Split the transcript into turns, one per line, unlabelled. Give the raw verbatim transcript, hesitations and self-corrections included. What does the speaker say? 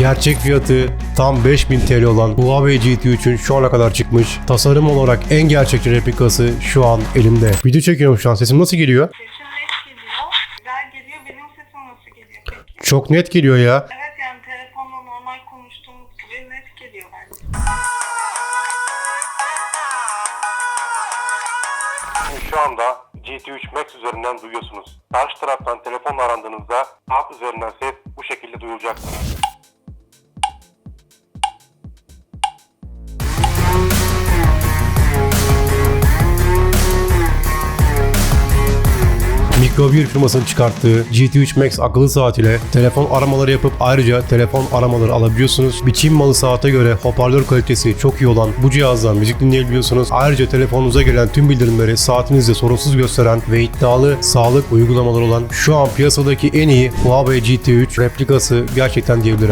Gerçek fiyatı tam beş bin T L olan Huawei G T üçün şu ana kadar çıkmış tasarım olarak en gerçekçi replikası şu an elimde. Video çekiyorum şu an. Sesim nasıl geliyor?
Sesin net geliyor. Güzel geliyor. Benim sesim nasıl geliyor peki?
Çok net geliyor ya.
Evet yani telefonla normal konuştuğumuz gibi net geliyor bence.
Şimdi şu anda G T üç Max üzerinden duyuyorsunuz. Karşı taraftan telefonla arandığınızda app üzerinden ses bu şekilde duyulacaktır.
Micro bir firmasının çıkarttığı G T üç Max akıllı saat ile telefon aramaları yapıp ayrıca telefon aramaları alabiliyorsunuz. Bir Çin malı saate göre hoparlör kalitesi çok iyi olan bu cihazdan müzik dinleyebiliyorsunuz. Ayrıca telefonunuza gelen tüm bildirimleri saatinizde sorunsuz gösteren ve iddialı sağlık uygulamaları olan şu an piyasadaki en iyi Huawei G T üç replikası gerçekten diyebilirim.